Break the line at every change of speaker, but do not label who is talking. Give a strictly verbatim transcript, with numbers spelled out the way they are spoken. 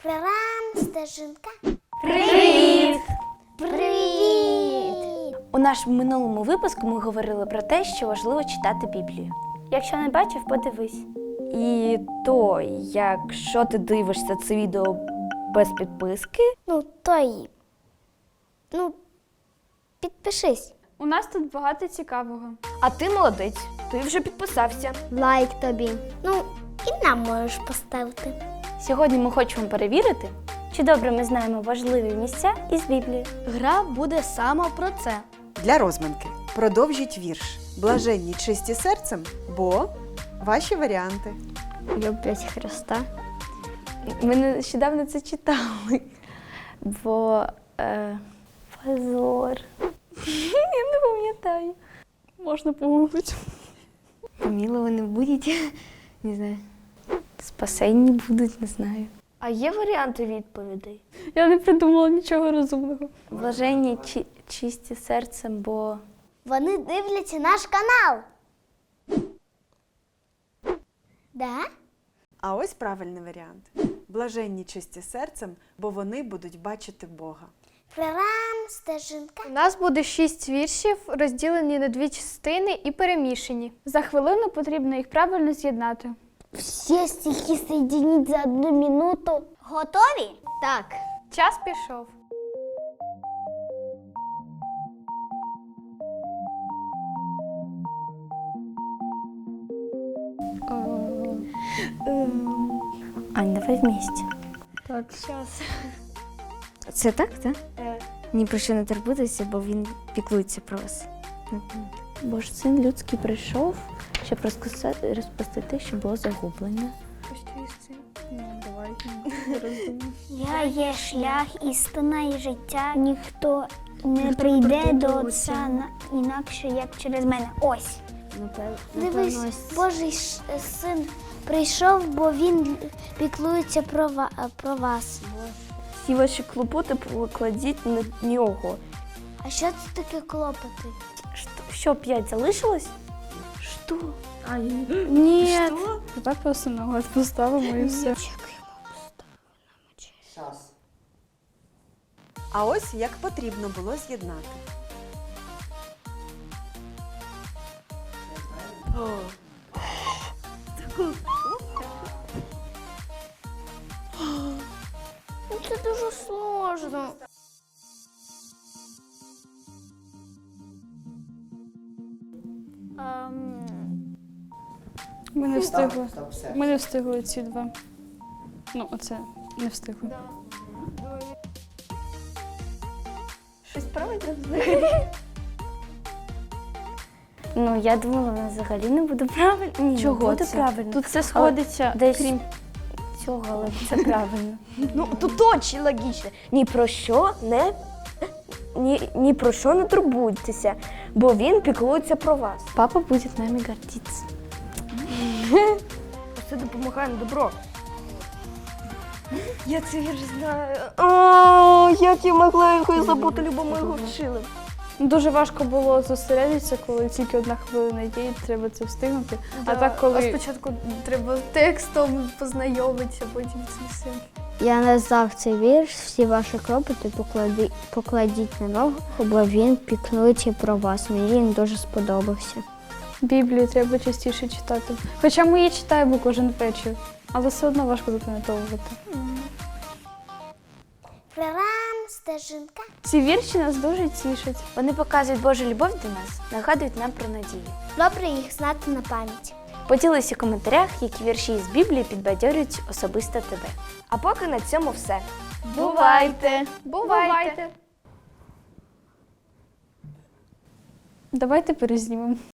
Прорам, стежинка.
Привіт!
Привіт!
У нашому минулому випуску ми говорили про те, що важливо читати Біблію. Якщо не бачив, подивись. І то, якщо ти дивишся це відео без підписки,
Ну, то й... Ну, підпишись.
У нас тут багато цікавого.
а ти молодець, ти вже підписався.
Лайк тобі. Ну, і нам можеш поставити.
Сьогодні ми хочемо перевірити, чи добре ми знаємо важливі місця із Біблії.
Гра буде саме про це.
Для розминки продовжіть вірш «Блаженні чисті серцем, бо…» Ваші варіанти.
Люблять Христа.
Ми нещодавно це читали, бо е, позор. Я не пам'ятаю.
Можна погуглити.
Помиловані будуть, не знаю. Спасенні будуть, не знаю. А є варіанти відповідей?
Я не придумала нічого розумного.
Блаженні чи, чисті серцем, бо
Вони дивляться наш канал. Да?
А ось правильний варіант. «Блаженні чисті серцем, бо вони будуть бачити Бога».
Прорам, стежинка.
У нас буде шість віршів, розділені на дві частини і перемішані. За хвилину потрібно їх правильно з'єднати.
Всі стихи соединить за одну минуту. Готові?
Так.
Час пішов.
Ань, давай вместе.
Так, час.
Це так, так? Ні про що не турбуйтеся, бо він піклується про вас. Бо ж син людський прийшов, щоб розкоса- розпасти те, що було загублене.
Я є шлях, істина і життя. Ніхто не прийде до Отця на- інакше, як через мене. Ось. Дивись, Божий ш- син прийшов, бо він піклується про, ва- про вас.
Всі ваші клопоти покладіть на нього.
А що це таке клопоти?
Що, що п'ять залишилось? Що? А,
Ні. Давай просто ногу поставимо і все.
А ось як потрібно було з'єднати.
Це дуже сложно.
Ми не встигли. Ми не встигли ці два. Ну, оце не встигли.
Щось правильно взагалі? Ну, я думала, вона взагалі не буде правильно. Ні,
Чого
буде
це?
правильно.
Тут все сходиться,
Десь
крім
цього, але це правильно. Ну, тут дуже логічно. Ні про що не ні, ні про що не турбуйтеся, бо він піклується про вас. Папа буде нами гордитися. Це допомагає на добро. Я це вірш знаю. О, як я могла його забути, любо ми його вчили.
дуже важко було зосередитися, коли тільки одна хвилина є, і треба це встигнути. А так, коли
спочатку треба текстом познайомитися, потім це все.
Я назвав цей вірш, всі ваші клопоти поклади, покладіть на ногу, бо він піклується про вас. Мені він дуже сподобався.
Біблію треба частіше читати. Хоча ми її читаємо кожен вечір, але все одно важко запам'ятовувати.
Прорам, стежинка.
Ці вірші нас дуже тішать.
Вони показують Божу любов до нас, нагадують нам про надію.
Добре їх знати на пам'ять.
Поділися в коментарях, які вірші із Біблії підбадьорюють особисто тебе. А поки на цьому все.
Бувайте! Бувайте! Давайте перезнімемо.